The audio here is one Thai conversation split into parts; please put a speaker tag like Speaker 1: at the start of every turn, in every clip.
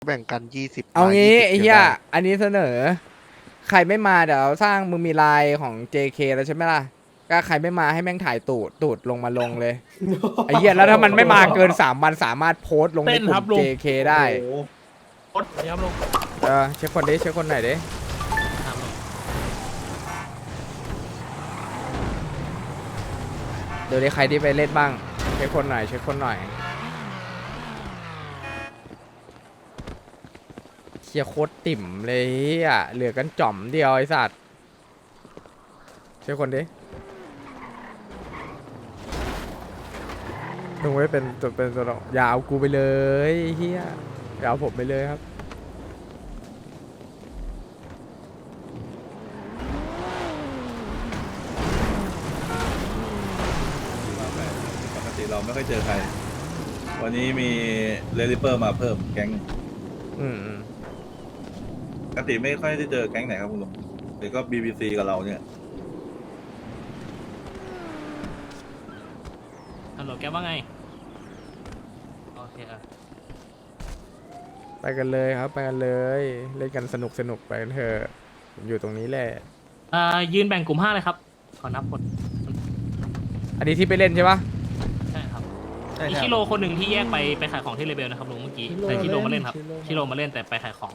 Speaker 1: แบ่งกัน20
Speaker 2: เอางี้ไอ้เหี้ย
Speaker 1: ได้
Speaker 2: อันนี้เสนอ ใครไม่มาเดี๋ยวสร้างมึงมีไลน์ของ JK แล้วใช่ไหมล่ะก็ใครไม่มาให้แม่งถ่ายตูดลงมาลงเลยไอ้เหี้ยแล้วถ้ามันไม่มาเกิน3 วันสามารถโพสต์ลงในกลุ่ม JK ได้เช็คคนดิเช็คคนไหนดิเดี๋ยวได้ใครที่ไปเล่นบ้างเช็คคนหน่อยเช็คคนหน่อยเชียโคตรติ่มเลยอ่ะเหลือกันจ่อมเดียวไอ้สัตว์เช็คคนดิลงไว้เป็นตัวอยาเอากูไปเลยเฮียอย่าเอาผมไปเลยครับ
Speaker 3: ปกติเราไม่ค่อยเจอใคร วันนี้มีเรลิเปอร์มาเพิ่มแก๊ง
Speaker 2: อืม
Speaker 3: ปกติไม่ค่อยได้เจอแก๊งไหนครับคุณลุงหรือก็ BBC กับเราเนี่ย
Speaker 4: ฮัลโหลแกว่าไง โอเค
Speaker 2: ไปกันเลยครับไปกันเลยเล่นกันสนุกไปกันเถอะผมอยู่ตรงนี้แหละ
Speaker 4: ยืนแบ่งกลุ่ม5เลยครับ ขอนับคน
Speaker 2: อันนี้ที่ไปเล่นใช่ปะ
Speaker 4: ใช่ครับมีชิโร่คนหนึ่งที่แยกไปขายของที่เลเบลนะครับลุงเมื่อกี้แต่ชิโร่มาเล่นครับชิโร่มาเล่นแต่ไปขายของ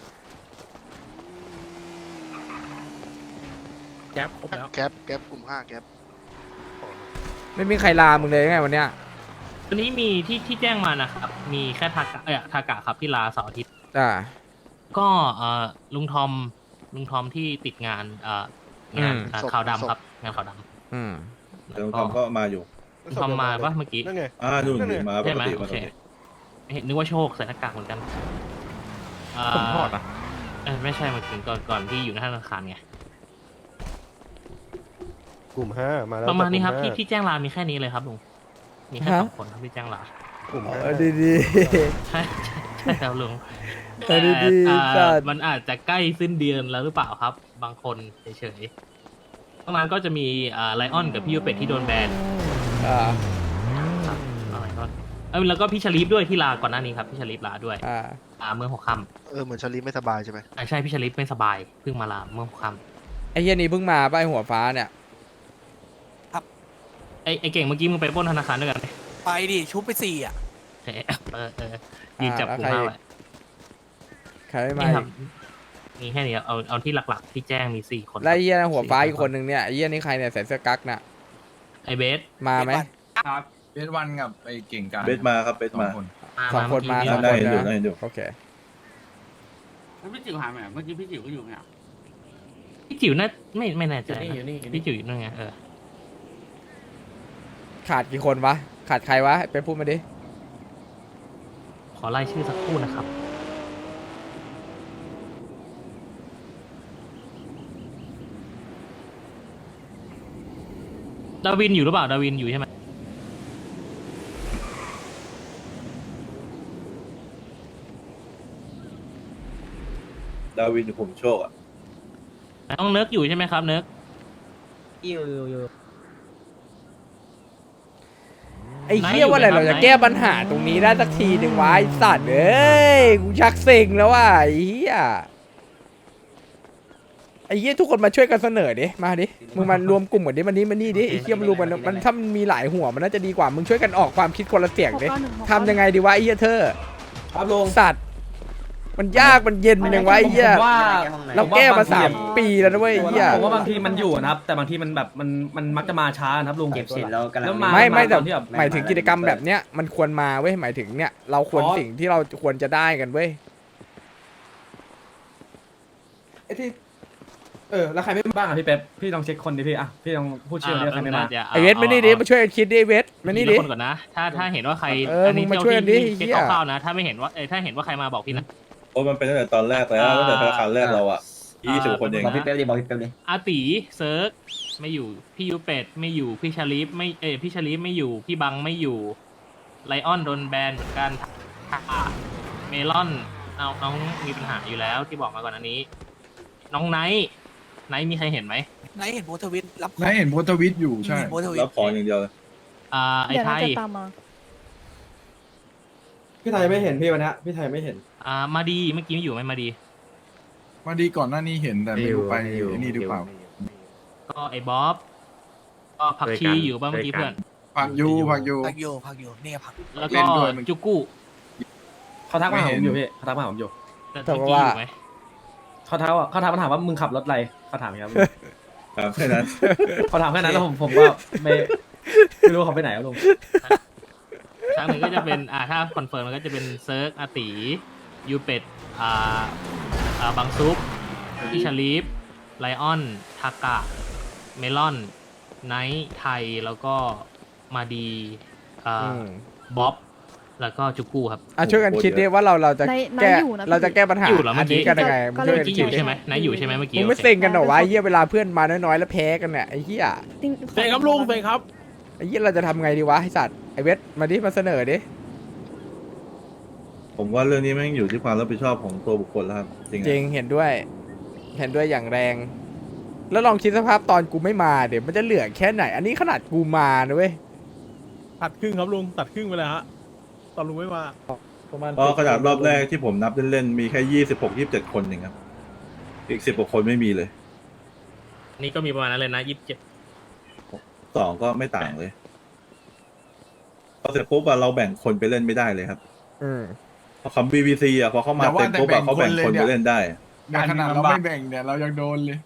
Speaker 4: แก๊ปครบแล้ว
Speaker 1: แก๊ปกลุ่ม5แก๊ป
Speaker 2: ไม่มีใครลามึงเลยไงวันเนี้ย
Speaker 4: วันนี้มีที่แจ้งมานะครับ มีแค่ทากะครับที่ลาเสาร์อาทิตย์
Speaker 2: อ่า
Speaker 4: ก็ลุงทอมที่ติดงานงานขาวดำครับงานขาวดำ
Speaker 2: อืม
Speaker 3: แต่ลุงทอมก็มาอยู่
Speaker 4: ลุงทอมมาปะเมื่อกี้
Speaker 1: นั่นไง
Speaker 3: นู่นนี่มาป
Speaker 4: ใช่
Speaker 3: ก
Speaker 4: ไหม
Speaker 3: ติ
Speaker 4: โอ
Speaker 3: มา
Speaker 4: เค
Speaker 3: ปกติ
Speaker 4: เห็นนึกว่าโชคใส่หน้ากากเหมือนกัน
Speaker 2: ผมทอดอ่ะ
Speaker 4: ไม่ใช่มาถึงก่อนที่อยู่ในธนาคารไง
Speaker 5: กลุ่ม5มาแล้ว
Speaker 4: ประมาณนี้ครับ
Speaker 5: กลุ่
Speaker 4: ที่แจ้งลามีแค่นี้เลยครับลุงมีแค่2 คนครับที่แจ้งลา
Speaker 5: กลุ่ม
Speaker 2: ดี
Speaker 4: ใช่ครับลุง
Speaker 2: ดีๆ
Speaker 4: แต่
Speaker 2: จัด
Speaker 4: มันอาจจะใกล้สิ้นเดือนแล้วหรือเปล่าครับ บางคนเฉยๆตรงนั้นก็จะมีไลออนกับพี่ยูเป็ดที่โดนแบน
Speaker 2: อ่า
Speaker 4: ครับไลออนแล้วก็พี่ชลีฟด้วยที่ลาก่อนหน้านี้ครับพี่ชลีฟลาด้วย เมื่อ6 ค่
Speaker 1: เหมือนชาลีไม่สบายใช่ไหม
Speaker 4: ำใช่พี่ชลีฟไม่สบายเพิ่งมาลาเมื่อ6 ค่
Speaker 2: ไอ้เฮียนี่เพิ่งมาป้ายหัวฟ้าเนี่ย
Speaker 4: ำไอเก่งเมื่อกี้มึงไปปล้นธนาคารด้วยกันไหม
Speaker 6: ไปดิ ชุบไป4 อ่ะ
Speaker 4: ยืนจับกลุ่มห้าไว้
Speaker 2: ใครไม่มา
Speaker 4: นี่ค
Speaker 2: อี
Speaker 4: รับ
Speaker 2: ก
Speaker 4: มีแค่นี้ครับเอาที่หลักๆที่แจ้งมี4 คน
Speaker 2: แล้วไอ้เฮียหัวฟ้าอีกคนนึงเนี่ยไอ้เฮียนี่ใครเนี่ยใส่เสื้อกั๊กน่ะ
Speaker 4: ไอเบส
Speaker 2: มาไหม
Speaker 7: ครับเบสวันกับไอ้เก่งกาจ
Speaker 3: เบสมาครับเบสมา
Speaker 2: สองคนมา
Speaker 4: เอ
Speaker 2: สอง
Speaker 3: ได้
Speaker 2: คน
Speaker 3: เห็นอยู่
Speaker 2: นะ
Speaker 3: ได้เห็นอยู่
Speaker 2: โอเค
Speaker 7: แล้วพี่จิ๋วหายไปไหนเมื่อกี้พี่จิ๋วก็อยู่เนี่ย
Speaker 4: พี่จิ๋วน่าไม่แน่ใจนะพี่จิ๋วอยู่นั่นไง
Speaker 2: ขาดกี่คนวะขาดใครวะไปพูดมาดิ
Speaker 4: ขอไล่ชื่อสักครู่นะครับดาวินอยู่หรือเปล่าดาวินอยู่ใช่ไหม
Speaker 3: ดาวินอยู่ผมโชคอ่ะ
Speaker 4: น้องเนิร์กอยู่ใช่ไหมครับเนิร์ก
Speaker 2: ไอ้เหี้ยว่าอะไรเราจะแก้ปัญหาตรงนี้ได้สักทีหนึ่งวะไอ้สัตว์เอ้ยกูชักเซ็งแล้วว่ะไอ้เหี้ยไอ้เหี้ยทุกคนมาช่วยกันเสนอดิมาดิมึงมารวมกลุ่มกันดิมันนี่ดิไอ้เหี้ยมันรวมมันถ้ามันมีหลายหัวมันน่าจะดีกว่ามึงช่วยกันออกความคิดคนละเสียงดิทำยังไงดีวะไอ้เหี้ยเธอ
Speaker 7: ครับลุง
Speaker 2: สัตว์มันยากมันเย็นยังไงไอ้เหี้ย
Speaker 7: ผมว่า
Speaker 2: เราแก้มา3 ปีแล้วนะเว้ยไอ้เหี้ย
Speaker 7: ผมว่าบางทีมันอยู่นะครับ แต่บางทีมันแบบมันมักจะมาช้านะครับลุงเก็บเสร็จแล้วกันมา
Speaker 2: ไม่แต่
Speaker 7: ตอนที่แบบ
Speaker 2: หมายถึงกิจกรรมแบบเนี้ยมันควรมาเว้ยหมายถึงเนี่ยเราควรสิ่งที่เราควรจะได้กันเว้ย
Speaker 7: ไอ้ที่แล้วใครไม่บ้างอ่ะพี่เป๊ปพี่ลองเช็คคนดิพี่อ่ะพี่ลองพูดชื่อดิใครไม่มา
Speaker 2: ไอเวทมานี่ดิมาช่วยกันคิดดิเวทมานี่ดิ
Speaker 4: คนก่อนนะถ้าเห็นว่าใคร
Speaker 2: มึงมาช่วยกันดิ
Speaker 4: เช็ค
Speaker 2: เหี้ย
Speaker 4: คร่าวๆนะถ้าไม่เห็นว่าถ้าเห็นว่าใครมาบอกพี่นะ
Speaker 3: โอ้มันเป็นตั้งแต่ตอนแรกแล้วตั้งแต่ธนาคารแรกเราอ่ะ20 คนเอง
Speaker 4: บอกพี่เป๊ปดิอาตีเซิร์กไม่อยู่พี่ยูเป็ดไม่อยู่พี่ชาลีฟไม่พี่ชาลีฟไม่อยู่พี่บังไม่อยู่ไลออนโดนแบนเหมือนกันเมลอนน้องมีปัญหาอยู่แล้วที่บอกมาก่อนอันนี้ น้องไนท์มีใครเห็นไหม
Speaker 6: ไหนเห็นโพสต์ทวิตรับ
Speaker 8: นายเห็นโพสต์ทวิตอยู่ใช่
Speaker 6: เห็นโพสต์ทวิต
Speaker 3: รับของอย่างเดียวเลย
Speaker 4: ไอ้ไทย
Speaker 7: พี่ไทยไม่เห็นพี่วันนี้พี่ไทยไม่เห็น
Speaker 4: มาดีเมื่อกี้ไม่อยู่ไหมมาดี
Speaker 8: มาดีก่อนหน้านี้เห็นแต่ไม่รู้ไปนี่หรือเปล่า
Speaker 4: ก็ไอ้บ๊อบก็ผักชีอยู่บ้างเมื่อกี้เพื่อน
Speaker 8: ผักยู
Speaker 6: พักอยู่เนี่ยพัก
Speaker 4: แล้ว
Speaker 8: เล่
Speaker 4: ก็
Speaker 8: นด้วยมัน
Speaker 4: จุกู้
Speaker 7: เขาทักมาหา
Speaker 8: ไม่
Speaker 7: ผ
Speaker 8: เห็
Speaker 7: ม
Speaker 8: น
Speaker 7: อยู่พี่เขาทักมาหาผมอยู่
Speaker 4: แต่เมื่อกี้อยู่ไหม
Speaker 7: เขาทักมาถามว่ามึงขับรถอะไรเขาถามครับ
Speaker 3: ครับแค่นั้น
Speaker 7: เขาถามแค่นั้นแล้วผมก็ไม่รู้เขาไปไหนครับลุง
Speaker 4: ครั้งหนึ่งก็จะเป็นถ้าคอนเฟิร์มมันก็จะเป็นเซิร์กอาตียูเป็ดบังซุปพี่ชาลีฟไลออนทากะเมลอนไนท์ไทยแล้วก็มาดีบ๊อบแล้วก็จุกู้ครับ
Speaker 2: ช่วยกันคิดดิว่าเราจะ
Speaker 9: ใน
Speaker 2: แก้
Speaker 9: อยู่นะพี่
Speaker 2: เราจะแก้ปัญหา
Speaker 4: อยู่เหรอเมื่
Speaker 2: อั
Speaker 4: อน กี้
Speaker 2: นี้กันยังไง
Speaker 9: ก็
Speaker 2: ช่วย
Speaker 9: เล
Speaker 2: กัน
Speaker 4: เมื่อกี้อ
Speaker 2: คิด
Speaker 4: ยู่
Speaker 2: ดิ
Speaker 4: ใช่ไหมนายอยู่ใช่ไหมเมื่อกี้
Speaker 2: มึงไม่
Speaker 4: โอเค
Speaker 2: เซ็งกันเหรอวะไอ้เหี้ยเวลาเพื่อนมาน้อยๆแล้วแพ้กันเนี่ยไอ้เหี้ย
Speaker 6: เฟยครับลุงเฟยครับ
Speaker 2: ไอ้เหี้ยเราจะทำไงดีวะไอ้สัตว์ไอ้เวทมาดิมาเสนอดิ
Speaker 3: ผมว่าเรื่องนี้แม่งอยู่ที่ความรับผิดชอบของตัวบุคคลแล้วครับจริง
Speaker 2: จริงเห็นด้วยอย่างแรง แล้วลองคิดสภาพตอนกูไม่มาเดี๋ยวมันจะเหลือแค่ไหน อันนี้ขนาดกูมานะเว้ย
Speaker 5: ตัดครึ่งครับลุงตัดครึ่งไปเลยฮะตอนลุงไม่มา
Speaker 7: ประมาณ
Speaker 3: เพราะขนาดรอบแรกที่ผมนับเล่นๆมีแค่26-27 คนเองครับอีก10กว่าคนไม่มีเลย
Speaker 4: นี่ก็มีประมาณนั้นเลยนะ
Speaker 3: 2ก็ไม่ต่างเลยพอเสร็จปุ๊บเราแบ่งคนไปเล่นไม่ได้เลยครับ
Speaker 2: อืม
Speaker 3: พอคำ BBC พอเข้ามาเต็มปุ๊บเขาแบ่งคนไปเล่นได้
Speaker 8: ในขนาดเราไม่แบ่งเนี่ยเรายังโดนเลย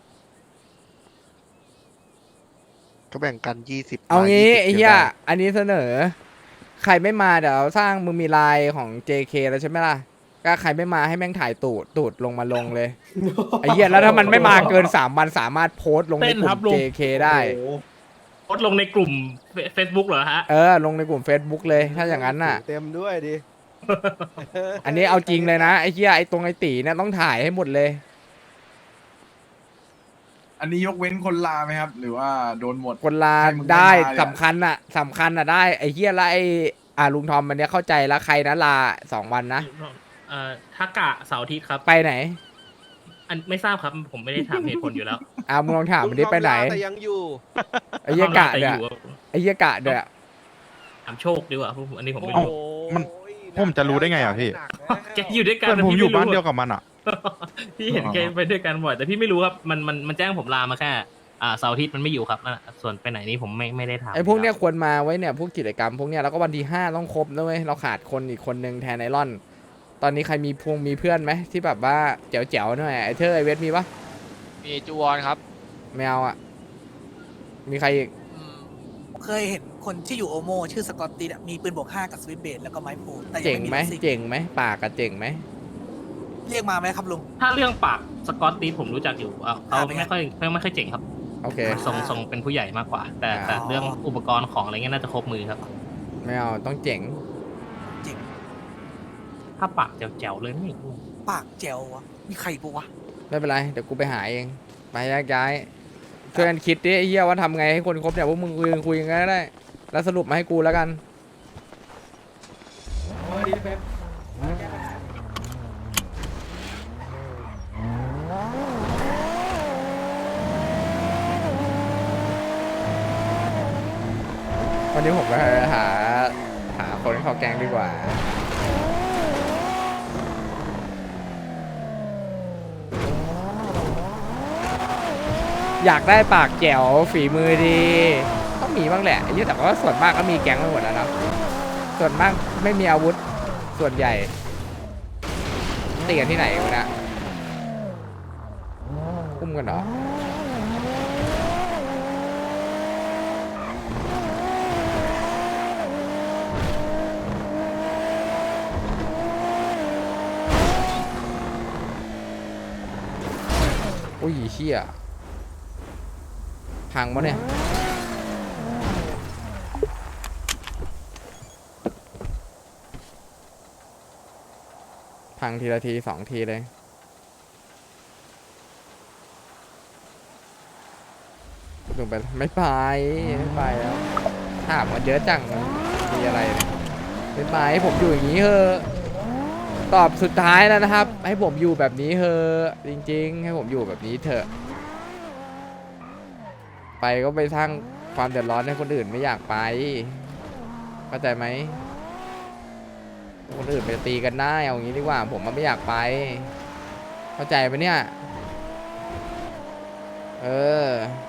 Speaker 1: ก็แบ่งกัน20
Speaker 2: เอางี้
Speaker 1: 20
Speaker 2: ไอ้เหี้ยอันนี้เสนอ ใครไม่มาเดี๋ยวสร้างมึงมีไลน์ของ JK แล้วใช่ไหมล่ะก็ใครไม่มาให้แม่งถ่ายตูดลงมาลงเลยไอ้เหี้ยแล้วถ้ามันไม่มาเกิน3 วันสามารถโพสต์ลงในกลุ่ม JK ได้
Speaker 4: โพสต์ลงในกลุ่ม Facebook เหรอฮะ
Speaker 2: ลงในกลุ่ม Facebook เลยถ้าอย่างนั้นน่ะ
Speaker 5: เต็มด้วยดิ
Speaker 2: อันนี้เอาจริงเลยนะไอ้เหี้ยไอ้ตรงไอ้ตีเนี่ยต้องถ่ายให้หมดเลย
Speaker 8: อันนี้ยกเว้นคนลาไหมครับ หรือว่าโดนหมด
Speaker 2: คนลา
Speaker 8: ให้มึง
Speaker 2: ได้
Speaker 8: ไม่มาเนี่ย
Speaker 2: สำคัญน่ะได้ไอ้เหี้ยแล้วไอ้ลุงทอมมันเนี้ยเข้าใจแล้วใครนะลา2 วันนะ
Speaker 4: ทากะเสาร์อาทิตย์ครับ
Speaker 2: ไปไหน
Speaker 4: อันไม่ทราบครับ ผมไม่ได้ถามเหตุผลอยู่แล้ว
Speaker 2: มึงลองถามมันดิไปไหน
Speaker 5: แต่ยังอยู่
Speaker 2: ไอ้เหี้ยกะ
Speaker 4: แต่
Speaker 2: เนี่ย
Speaker 4: อยู่
Speaker 2: ไอ้เหี้ยกะเนี่ย
Speaker 4: ถามโชคดีกว่าอันนี้ผมไม่
Speaker 5: โอ้
Speaker 4: รู้
Speaker 5: มัน
Speaker 10: ผมจะรู้ได้ไงอ่ะพี่
Speaker 4: แกอยู่ด้วยกัน
Speaker 10: เพื่อนผมอยู่บ้านเดียว
Speaker 4: กับ
Speaker 10: กับมันอ่ะ
Speaker 4: พี่เห็นแกไปด้วยกันบ่อยแต่พี่ไม่รู้ครับมันแจ้งผมลามาแค่เสาร์อาทิตย์มันไม่อยู่ครับนั่นน่ะส่วนไปไหนนี่ผมไม่ได้ถาม
Speaker 2: ไอ้พวกเนี้ยควรมาไว้เนี่ยพวกกิจกรรมพวกเนี้ยแล้วก็วันที่5ต้องครบนะเว้ยเราขาดคนอีกคนนึงแทนไอรอน ตอนนี้ใครมีมีเพื่อนไหมที่แบบว่าแจ๋วๆหน่อยไอ้เธอไอเวทมีปะ
Speaker 6: มีจูวอนครับ
Speaker 2: ไม่เอาอ่ะมีใครอีก
Speaker 6: เคยเห็นคนที่อยู่โอโมชื่อสกอตตี้มีปืนบวก5กับสวิตช์เบลแล้วก็ไม้โพลแต่ยัง
Speaker 2: เจ๋ง
Speaker 6: ไม่มี
Speaker 2: ไหม
Speaker 6: รถซิ่ง
Speaker 2: เจ๋งไหมปากกับเจ๋งไหม
Speaker 6: เรียกมาไหมครับลุง
Speaker 4: ถ้าเรื่องปากสกอตตีผมรู้จักอยู่เขา
Speaker 6: เป็นไง
Speaker 4: ไม่ค่อยเจ๋งครับ
Speaker 2: โอเค
Speaker 4: ทรงเป็นผู้ใหญ่มากกว่า แต่
Speaker 2: อ๋อ
Speaker 4: เรื่องอุปกรณ์ของอะไรเงี้ยน่าจะครบมือครับ
Speaker 2: ไม่เอาต้องเจ๋ง
Speaker 4: ถ้าปากแจ๋วๆเลยนี่
Speaker 6: ปากแจ๋ววะมีใครปะวะ
Speaker 2: ไม่เป็นไรเดี๋ยวกูไปหาเองไปแยกย้ายช่วยกันคิดดิไอ้เหี้ยว่าทำไงให้คนครบเนี่ยพวกมึงคุยกันก็ได้แล้วสรุปมาให้กูแล้วกัน วันนี้ผมไปหาคนเข้าแกงดีกว่า อยากได้ปากแจ๋วฝีมือดีต้องมีบ้างแหละไอ้เหี้ยแต่ว่าส่วนมากก็มีแก๊งไปหมดแล้วเนาะส่วนมากไม่มีอาวุธส่วนใหญ่ตีกันที่ไหนวะเนี่ยอุ้มกันเหรออุ้ยเชี่ยพังปะเนี่ยพังทีละที2 ทีเลยลงไปไม่ไปแล้วถามว่าเยอะจังมันมีอะไรเนี่ยไม่ไปผมอยู่อย่างนี้เถอะตอบสุดท้ายแล้วนะครับ ให้ผมอยู่แบบนี้เถอะจริงๆให้ผมอยู่แบบนี้เถอะไปก็ไปสร้างความเดือดร้อนให้คนอื่นไม่อยากไปเข้าใจไหมคนอื่นไปตีกันได้เอางี้ดีกว่าผมมันไม่อยากไป เข้าใจปะเนี่ย เออ